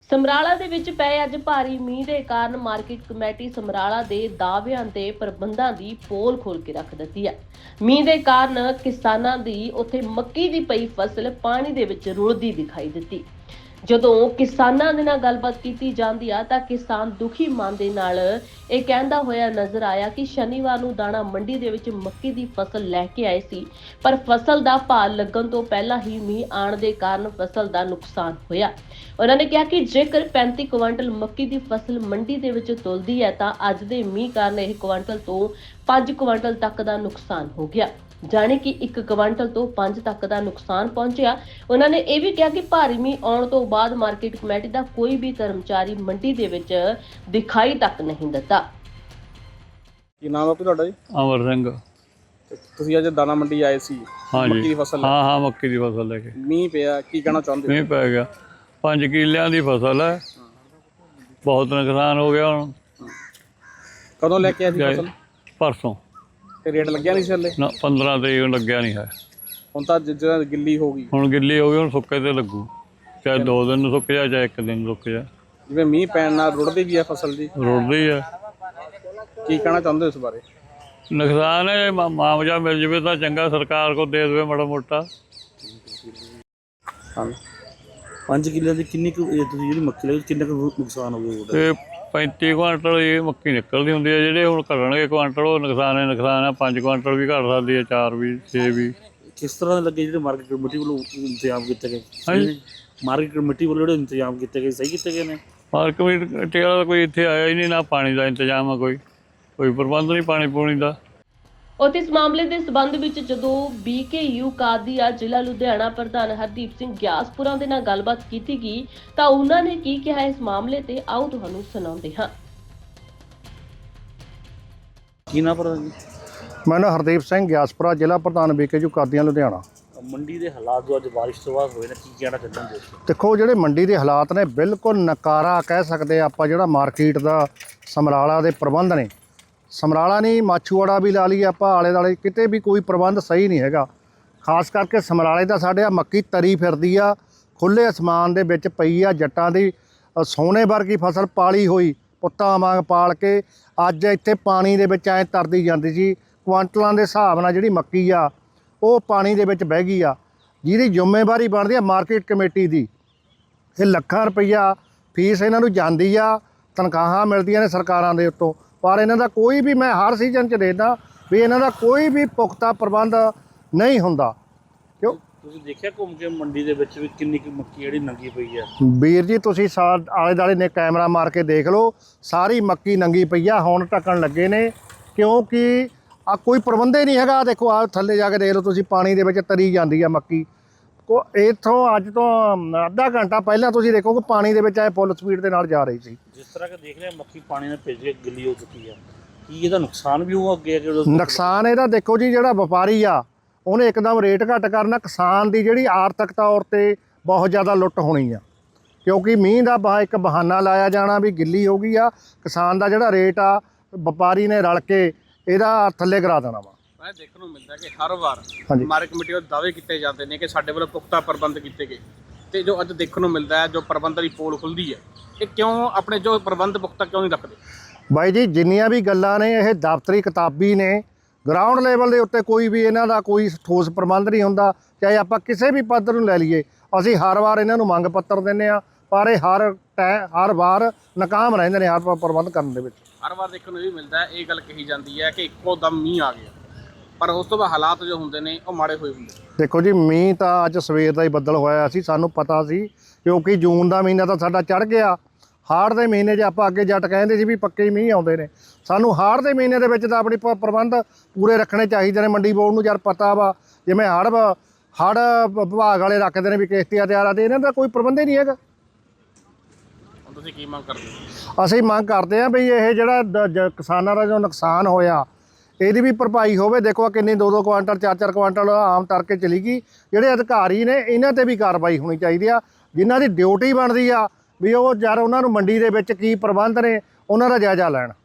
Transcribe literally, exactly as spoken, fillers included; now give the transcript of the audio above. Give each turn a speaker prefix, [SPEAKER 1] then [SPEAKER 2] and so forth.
[SPEAKER 1] ਸਮਰਾਲਾ ਦੇ ਵਿੱਚ ਪਏ ਅੱਜ ਭਾਰੀ ਮੀਂਹ ਦੇ ਕਾਰਨ ਮਾਰਕੀਟ ਕਮੇਟੀ ਸਮਰਾਲਾ ਦੇ ਦਾਅਵਿਆਂ ਤੇ ਪ੍ਰਬੰਧਾਂ ਦੀ ਪੋਲ ਖੋਲ ਕੇ ਰੱਖ ਦਿੱਤੀ ਹੈ। ਮੀਂਹ ਦੇ ਕਾਰਨ ਕਿਸਾਨਾਂ ਦੀ ਉੱਥੇ ਮੱਕੀ ਦੀ ਪਈ ਫਸਲ ਪਾਣੀ ਦੇ ਵਿੱਚ ਰੁਲਦੀ ਦਿਖਾਈ ਦਿੱਤੀ। ਜਦੋਂ ਕਿਸਾਨਾਂ ਦੇ ਨਾਲ ਗੱਲਬਾਤ ਕੀਤੀ ਜਾਂਦੀ ਆ ਤਾਂ ਕਿਸਾਨ ਦੁਖੀ ਮਨ ਦੇ ਨਾਲ ਇਹ ਕਹਿੰਦਾ ਹੋਇਆ ਨਜ਼ਰ ਆਇਆ ਕਿ ਸ਼ਨੀਵਾਰ ਨੂੰ ਦਾਣਾ ਮੰਡੀ ਦੇ ਵਿੱਚ ਮੱਕੀ ਦੀ ਫਸਲ ਲੈ ਕੇ ਆਏ ਸੀ, ਪਰ ਫਸਲ ਦਾ ਭਾਅ ਲੱਗਣ ਤੋਂ ਪਹਿਲਾਂ ਹੀ ਮੀਂਹ ਆਉਣ ਦੇ ਕਾਰਨ ਫਸਲ ਦਾ ਨੁਕਸਾਨ ਹੋਇਆ। ਉਹਨਾਂ ਨੇ ਕਿਹਾ ਕਿ ਜੇਕਰ ਪੈਂਤੀ ਕੁਇੰਟਲ ਮੱਕੀ ਦੀ ਫਸਲ ਮੰਡੀ ਦੇ ਵਿੱਚ ਤੁਲਦੀ ਹੈ ਤਾਂ ਅੱਜ ਦੇ ਮੀਂਹ ਕਾਰਨ ਇਹ ਕੁਇੰਟਲ ਤੋਂ ਪੰਜ ਕੁਇੰਟਲ ਤੱਕ ਦਾ ਨੁਕਸਾਨ ਹੋ ਗਿਆ, ਜਾਣੀ ਕਿ ਇੱਕ ਕੁਇੰਟਲ ਤੋਂ ਪੰਜ ਤੱਕ ਦਾ ਨੁਕਸਾਨ ਪਹੁੰਚਿਆ। ਉਹਨਾਂ ਨੇ ਇਹ ਵੀ ਕਿਹਾ ਕਿ ਭਾਰੀ ਮੀਂਹ ਆਉਣ ਤੋਂ ਬਾਅਦ ਮਾਰਕੀਟ ਕਮੇਟੀ ਦਾ ਕੋਈ ਵੀ ਕਰਮਚਾਰੀ ਮੰਡੀ ਦੇ ਵਿੱਚ ਦਿਖਾਈ ਤੱਕ ਨਹੀਂ ਦਿੱਤਾ।
[SPEAKER 2] ਕੀ ਨਾਮ ਹੈ ਤੁਹਾਡਾ ਜੀ?
[SPEAKER 3] ਅਮਰ ਸਿੰਘ।
[SPEAKER 2] ਤੁਸੀਂ ਅੱਜ ਦਾਣਾ ਮੰਡੀ ਆਏ ਸੀ
[SPEAKER 3] हाँ
[SPEAKER 2] ਮੱਕੀ
[SPEAKER 3] जी
[SPEAKER 2] ਦੀ ਫਸਲ
[SPEAKER 3] हाँ हाँ मक्की की फसल लेके
[SPEAKER 2] ਮੀਂਹ ਪਿਆ, ਕੀ ਕਹਿਣਾ ਚਾਹੁੰਦੇ ਹੋ?
[SPEAKER 3] ਮੀਂਹ ਪੈ ਗਿਆ। ਪੰਜ ਕਿੱਲਿਆਂ ਦੀ ਫਸਲ ਹੈ, ਬਹੁਤ ਨੁਕਸਾਨ ਹੋ ਗਿਆ। ਹੁਣ
[SPEAKER 2] ਕਦੋਂ ਲੈ ਕੇ ਆਏ ਸੀ ਫਸਲ?
[SPEAKER 3] ਪਰਸੋਂ
[SPEAKER 2] ਤੇ ਰੇਟ ਲੱਗਿਆ ਨਹੀਂ ਸੀ ਹਲੇ?
[SPEAKER 3] ਨਾ ਪੰਦਰਾਂ ਤਰੀਕ ਨੂੰ ਲੱਗਿਆ ਨਹੀਂ ਹੈ।
[SPEAKER 2] ਹੁਣ ਤਾਂ ਜਿੱਦਾਂ ਗਿੱਲੀ ਹੋ ਗਈ,
[SPEAKER 3] ਹੁਣ ਗਿੱਲੀ ਹੋ ਗਈ, ਹੁਣ ਸੁੱਕੇ ਤੇ ਲੱਗੂ। ਚਾਹੇ ਦੋ ਦਿਨ ਨੂੰ ਸੁੱਕ ਜਾ, ਚਾਹੇ ਇੱਕ ਦਿਨ ਰੁਕ ਜਾ।
[SPEAKER 2] ਜਿਵੇਂ ਮੀਂਹ ਪੈਣ ਨਾਲ ਰੁੜਦੀ ਵੀ ਹੈ ਫਸਲ ਦੀ,
[SPEAKER 3] ਰੁੜਦੀ ਹੈ।
[SPEAKER 2] ਕੀ ਕਹਿਣਾ ਚਾਹੁੰਦੇ ਹੋ ਇਸ ਬਾਰੇ?
[SPEAKER 3] ਨੁਕਸਾਨ ਹੈ, ਮਾ- ਮੁਆਵਜ਼ਾ ਮਿਲ ਜਾਵੇ ਤਾਂ ਚੰਗਾ, ਸਰਕਾਰ ਕੋ ਦੇ ਦੇਵੇ ਮਾੜਾ ਮੋਟਾ।
[SPEAKER 2] ਹਾਂ,
[SPEAKER 4] ਪੰਜ ਕਿੱਲੇ ਦੀ ਕਿੰਨੀ ਕੁ ਇਹ ਤੁਸੀਂ ਜਿਹੜੀ ਮੱਕੀ ਲਈ ਕਿੰਨਾ ਕੁ ਨੁਕਸਾਨ ਹੋ ਗਿਆ ਉਹਦਾ?
[SPEAKER 3] ਤੇ ਪੈਂਤੀ ਕੁਆਂਟਲ ਇਹ ਮੱਕੀ ਨਿਕਲਦੀ ਹੁੰਦੀ ਹੈ। ਜਿਹੜੇ ਹੁਣ ਘਟਣਗੇ ਕੁਆਂਟਲ, ਉਹ ਨੁਕਸਾਨ ਹੈ ਨੁਕਸਾਨ ਹੈ। ਪੰਜ ਕੁਆਂਟਲ ਵੀ ਘਟ ਸਕਦੀ ਹੈ, ਚਾਰ ਵੀ, ਛੇ ਵੀ।
[SPEAKER 4] ਕਿਸ ਤਰ੍ਹਾਂ ਦੇ ਲੱਗੇ ਜਿਹੜੇ ਮਾਰਕੀਟ ਕਮੇਟੀ ਵੱਲੋਂ ਇੰਤਜ਼ਾਮ ਕੀਤੇ ਗਏ?
[SPEAKER 3] ਹਾਂਜੀ,
[SPEAKER 4] ਮਾਰਕੀਟ ਕਮੇਟੀ ਵੱਲੋਂ ਜਿਹੜੇ ਇੰਤਜ਼ਾਮ ਕੀਤੇ ਗਏ ਸਹੀ ਕੀਤੇ ਗਏ ਨੇ?
[SPEAKER 3] ਮਾਰਕੀਟ ਵਾਲਾ ਕੋਈ ਇੱਥੇ ਆਇਆ ਹੀ ਨਹੀਂ, ਨਾ ਪਾਣੀ ਦਾ ਇੰਤਜ਼ਾਮ ਆ, ਕੋਈ ਕੋਈ ਪ੍ਰਬੰਧ ਨਹੀਂ ਪਾਣੀ ਪੂਣੀ ਦਾ।
[SPEAKER 1] ਉੱਥੇ ਇਸ ਮਾਮਲੇ ਦੇ ਸਬੰਧ ਵਿੱਚ ਜਦੋਂ ਬੀਕੇਯੂ ਕਾਦੀਆ ਜ਼ਿਲ੍ਹਾ ਲੁਧਿਆਣਾ ਪ੍ਰਧਾਨ ਹਰਦੀਪ ਸਿੰਘ ਗਿਆਸਪੁਰਾ ਦੇ ਨਾਲ ਗੱਲਬਾਤ ਕੀਤੀ ਗਈ ਤਾਂ ਉਹਨਾਂ ਨੇ ਕੀ ਕਿਹਾ ਇਸ ਮਾਮਲੇ ਤੇ, ਆਓ ਤੁਹਾਨੂੰ ਸੁਣਾਉਂਦੇ ਹਾਂ।
[SPEAKER 4] ਕੀ ਨਾ ਪਰ ਜੀ
[SPEAKER 5] ਮੈਂ ਨਾ ਹਰਦੀਪ ਸਿੰਘ ਗਿਆਸਪੁਰਾ, ਜ਼ਿਲ੍ਹਾ ਪ੍ਰਧਾਨ ਬੀਕੇਯੂ ਕਾਦੀਆਂ ਲੁਧਿਆਣਾ।
[SPEAKER 4] ਮੰਡੀ ਦੇ ਹਾਲਾਤ ਜੋ ਅੱਜ ਬਾਰਿਸ਼ ਤੋਂ ਬਾਅਦ ਹੋਏ ਨੇ, ਕੀ ਕਹਿਣਾ ਚਾਹੁੰਦੇ ਹੋ?
[SPEAKER 5] ਦੇਖੋ, ਜਿਹੜੇ ਮੰਡੀ ਦੇ ਹਾਲਾਤ ਨੇ ਬਿਲਕੁਲ ਨਕਾਰਾ ਕਹਿ ਸਕਦੇ ਆਪਾਂ। ਜਿਹੜਾ ਮਾਰਕੀਟ ਦਾ ਸਮਰਾਲਾ ਦੇ ਪ੍ਰਬੰਧ ਨੇ, ਸਮਰਾਲਾ ਨਹੀਂ ਮਾਛੂਵਾੜਾ ਵੀ ਲਾ ਲਈਏ ਆਪਾਂ, ਆਲੇ ਦੁਆਲੇ ਕਿਤੇ ਵੀ ਕੋਈ ਪ੍ਰਬੰਧ ਸਹੀ ਨਹੀਂ ਹੈਗਾ। ਖਾਸ ਕਰਕੇ ਸਮਰਾਲੇ ਦਾ ਸਾਡੇ ਆ ਮੱਕੀ ਤਰੀ ਫਿਰਦੀ ਆ, ਖੁੱਲ੍ਹੇ ਅਸਮਾਨ ਦੇ ਵਿੱਚ ਪਈ ਆ। ਜੱਟਾਂ ਦੀ ਅ, ਸੋਨੇ ਵਰਗੀ ਫਸਲ ਪਾਲੀ ਹੋਈ, ਪੁੱਤਾਂ ਵਾਂਗ ਪਾਲ ਕੇ ਅੱਜ ਇੱਥੇ ਪਾਣੀ ਦੇ ਵਿੱਚ ਐਂ ਤਰਦੀ ਜਾਂਦੀ ਸੀ। ਕੁਆਂਟਲਾਂ ਦੇ ਹਿਸਾਬ ਨਾਲ ਜਿਹੜੀ ਮੱਕੀ ਆ ਉਹ ਪਾਣੀ ਦੇ ਵਿੱਚ ਬਹਿ ਗਈ ਆ, ਜਿਹਦੀ ਜ਼ਿੰਮੇਵਾਰੀ ਬਣਦੀ ਆ ਮਾਰਕੀਟ ਕਮੇਟੀ ਦੀ। ਇਹ ਲੱਖਾਂ ਰੁਪਈਆ ਫੀਸ ਇਹਨਾਂ ਨੂੰ ਜਾਂਦੀ ਆ, ਤਨਖਾਹਾਂ ਮਿਲਦੀਆਂ ਨੇ ਸਰਕਾਰਾਂ ਦੇ ਉੱਤੋਂ, ਪਰ ਇਹਨਾਂ ਦਾ ਕੋਈ ਵੀ, ਮੈਂ ਹਰ ਸੀਜ਼ਨ 'ਚ ਦੇਖਦਾ ਵੀ ਇਹਨਾਂ ਦਾ ਕੋਈ ਵੀ ਪੁਖਤਾ ਪ੍ਰਬੰਧ ਨਹੀਂ ਹੁੰਦਾ। ਕਿਉਂ?
[SPEAKER 4] ਤੁਸੀਂ ਦੇਖਿਆ ਘੁੰਮ ਕੇ ਮੰਡੀ ਦੇ ਵਿੱਚ ਵੀ ਕਿੰਨੀ ਕੁ ਮੱਕੀ ਜਿਹੜੀ ਨੰਗੀ ਪਈ ਹੈ?
[SPEAKER 5] ਵੀਰ ਜੀ, ਤੁਸੀਂ ਸਾ ਆਲੇ ਦੁਆਲੇ ਨੇ ਕੈਮਰਾ ਮਾਰ ਕੇ ਦੇਖ ਲਓ, ਸਾਰੀ ਮੱਕੀ ਨੰਗੀ ਪਈ ਆ। ਹੁਣ ਢੱਕਣ ਲੱਗੇ ਨੇ ਕਿਉਂਕਿ ਆ ਕੋਈ ਪ੍ਰਬੰਧ ਹੀ ਨਹੀਂ ਹੈਗਾ। ਦੇਖੋ, ਆ ਥੱਲੇ ਜਾ ਕੇ ਦੇਖ ਲਓ ਤੁਸੀਂ, ਪਾਣੀ ਦੇ ਵਿੱਚ ਤਰੀ ਜਾਂਦੀ ਆ ਮੱਕੀ। ਕੋ ਇੱਥੋਂ ਅੱਜ ਤੋਂ ਅੱਧਾ ਘੰਟਾ ਪਹਿਲਾਂ ਤੁਸੀਂ ਦੇਖੋ ਕਿ ਪਾਣੀ ਦੇ ਵਿੱਚ ਐ ਫੁੱਲ ਸਪੀਡ ਦੇ ਨਾਲ ਜਾ ਰਹੀ ਸੀ।
[SPEAKER 4] ਜਿਸ ਤਰ੍ਹਾਂ ਕਿ ਦੇਖ ਰਹੇ ਮੱਕੀ ਪਾਣੀ ਨਾਲ ਭਿੱਜ ਕੇ ਗਿੱਲੀ ਹੋ ਚੁੱਕੀ ਹੈ, ਕੀ ਇਹਦਾ ਨੁਕਸਾਨ ਵੀ ਹੋਊਗਾ ਅੱਗੇ?
[SPEAKER 5] ਨੁਕਸਾਨ ਇਹਦਾ ਦੇਖੋ ਜੀ, ਜਿਹੜਾ ਵਪਾਰੀ ਆ ਉਹਨੇ ਇੱਕਦਮ ਰੇਟ ਘੱਟ ਕਰਨਾ। ਕਿਸਾਨ ਦੀ ਜਿਹੜੀ ਆਰਥਿਕ ਤੌਰ ਤੇ ਬਹੁਤ ਜ਼ਿਆਦਾ ਲੁੱਟ ਹੋਣੀ ਆ, ਕਿਉਂਕਿ ਮੀਂਹ ਦਾ ਬਹਾ ਇੱਕ ਬਹਾਨਾ ਲਾਇਆ ਜਾਣਾ ਵੀ ਗਿੱਲੀ ਹੋ ਗਈ ਆ। ਕਿਸਾਨ ਦਾ ਜਿਹੜਾ ਰੇਟ ਆ ਵਪਾਰੀ ਨੇ ਰਲ ਕੇ ਇਹਦਾ ਥੱਲੇ ਕਰਾ ਦੇਣਾ ਵਾ।
[SPEAKER 2] ਮੈਂ ਦੇਖਣ ਨੂੰ ਮਿਲਦਾ ਕਿ ਹਰ ਵਾਰ
[SPEAKER 5] ਹਾਂਜੀ।
[SPEAKER 2] ਮਾਰਕੀਟ ਕਮੇਟੀ ਵੱਲੋਂ ਦਾਅਵੇ ਕੀਤੇ ਜਾਂਦੇ ਨੇ ਕਿ ਸਾਡੇ ਵੱਲੋਂ ਪੁਖਤਾ ਪ੍ਰਬੰਧ ਕੀਤੇ ਗਏ, ਤੇ ਜੋ ਅੱਜ ਦੇਖਣ ਨੂੰ ਮਿਲਦਾ ਹੈ ਜੋ ਪ੍ਰਬੰਧ ਦੀ ਪੋਲ ਖੁੱਲਦੀ ਹੈ, ਇਹ ਕਿਉਂ ਆਪਣੇ ਜੋ ਪ੍ਰਬੰਧ ਪੁਖਤਾ ਕਿਉਂ ਨਹੀਂ ਰੱਖਦੇ?
[SPEAKER 5] ਬਾਈ ਜੀ, ਜਿੰਨੀਆਂ ਵੀ ਗੱਲਾਂ ਨੇ ਇਹ ਦਫ਼ਤਰੀ ਕਿਤਾਬੀ ਨੇ। ਗਰਾਊਂਡ ਲੈਵਲ ਦੇ ਉੱਤੇ ਕੋਈ ਵੀ ਇਹਨਾਂ ਦਾ ਕੋਈ ਠੋਸ ਪ੍ਰਬੰਧ ਨਹੀਂ ਹੁੰਦਾ। ਚਾਹੇ ਆਪਾਂ ਕਿਸੇ ਵੀ ਪੱਧਰ ਨੂੰ ਲੈ ਲਈਏ, ਅਸੀਂ ਹਰ ਵਾਰ ਇਹਨਾਂ ਨੂੰ ਮੰਗ ਪੱਤਰ ਦਿੰਦੇ ਆ, ਪਰ ਇਹ ਹਰ ਟੈ ਹਰ ਵਾਰ ਨਾਕਾਮ ਰਹਿੰਦੇ ਨੇ ਹਰ ਪ੍ਰਬੰਧ ਕਰਨ ਦੇ ਵਿੱਚ।
[SPEAKER 2] ਹਰ ਵਾਰ ਦੇਖਣ ਨੂੰ ਇਹ ਵੀ ਮਿਲਦਾ ਹੈ, ਇਹ ਗੱਲ ਕਹੀ ਜਾਂਦੀ ਹੈ ਕਿ ਇੱਕੋ ਦਮ ਮੀਂਹ ਆ ਗਿਆ, ਪਰ ਉਸ ਤੋਂ ਬਾਅਦ ਹਾਲਾਤ ਜੋ ਹੁੰਦੇ ਨੇ ਉਹ ਮਾੜੇ ਹੋਏ ਹੁੰਦੇ।
[SPEAKER 5] ਦੇਖੋ ਜੀ, ਮੀਂਹ ਤਾਂ ਅੱਜ ਸਵੇਰ ਦਾ ਹੀ ਬੱਦਲ ਹੋਇਆ ਸੀ, ਸਾਨੂੰ ਪਤਾ ਸੀ, ਕਿਉਂਕਿ ਜੂਨ ਦਾ ਮਹੀਨਾ ਤਾਂ ਸਾਡਾ ਚੜ੍ਹ ਗਿਆ। ਹਾੜ ਦੇ ਮਹੀਨੇ 'ਚ ਆਪਾਂ ਅੱਗੇ ਜੱਟ ਕਹਿੰਦੇ ਸੀ ਵੀ ਪੱਕੇ ਹੀ ਮੀਂਹ ਆਉਂਦੇ ਨੇ। ਸਾਨੂੰ ਹਾੜ ਦੇ ਮਹੀਨੇ ਦੇ ਵਿੱਚ ਤਾਂ ਆਪਣੀ ਪ ਪ੍ਰਬੰਧ ਪੂਰੇ ਰੱਖਣੇ ਚਾਹੀਦੇ ਨੇ। ਮੰਡੀ ਬੋਰਡ ਨੂੰ ਯਾਰ ਪਤਾ ਵਾ, ਜਿਵੇਂ ਹੜ੍ਹ ਹੜ੍ਹ ਵਿਭਾਗ ਵਾਲੇ ਰੱਖਦੇ ਨੇ ਵੀ ਕਿਸ਼ਤੀਆਂ ਤਿਆਰ ਆ, ਤੇ ਇਹਨਾਂ ਦਾ ਕੋਈ ਪ੍ਰਬੰਧ ਹੀ ਨਹੀਂ ਹੈਗਾ।
[SPEAKER 2] ਹੁਣ ਤੁਸੀਂ ਕੀ ਮੰਗ ਕਰਦੇ ਹੋ?
[SPEAKER 5] ਅਸੀਂ ਮੰਗ ਕਰਦੇ ਹਾਂ ਵੀ ਇਹ ਜਿਹੜਾ ਦ- ਜ- ਕਿਸਾਨਾਂ ਦਾ ਜੋ ਨੁਕਸਾਨ ਹੋਇਆ ਇਹਦੀ ਵੀ ਭਰਪਾਈ ਹੋਵੇ। ਦੇਖੋ, ਕਿੰਨੀ ਦੋ ਦੋ ਕੁਆਂਟਲ ਚਾਰ ਚਾਰ ਕੁਆਂਟਲ ਆਮ ਕਰਕੇ ਚਲੀ ਗਈ। ਜਿਹੜੇ ਅਧਿਕਾਰੀ ਨੇ ਇਹਨਾਂ ਤੇ ਵੀ ਕਾਰਵਾਈ ਹੋਣੀ ਚਾਹੀਦੀ ਆ, ਜਿਨ੍ਹਾਂ ਦੀ ਡਿਊਟੀ ਬਣਦੀ ਆ ਵੀ ਉਹ ਯਾਰ ਉਹਨਾਂ ਨੂੰ ਮੰਡੀ ਦੇ ਵਿੱਚ ਕੀ ਪ੍ਰਬੰਧ ਨੇ ਉਹਨਾਂ ਦਾ ਜਾਇਜ਼ਾ ਲੈਣ।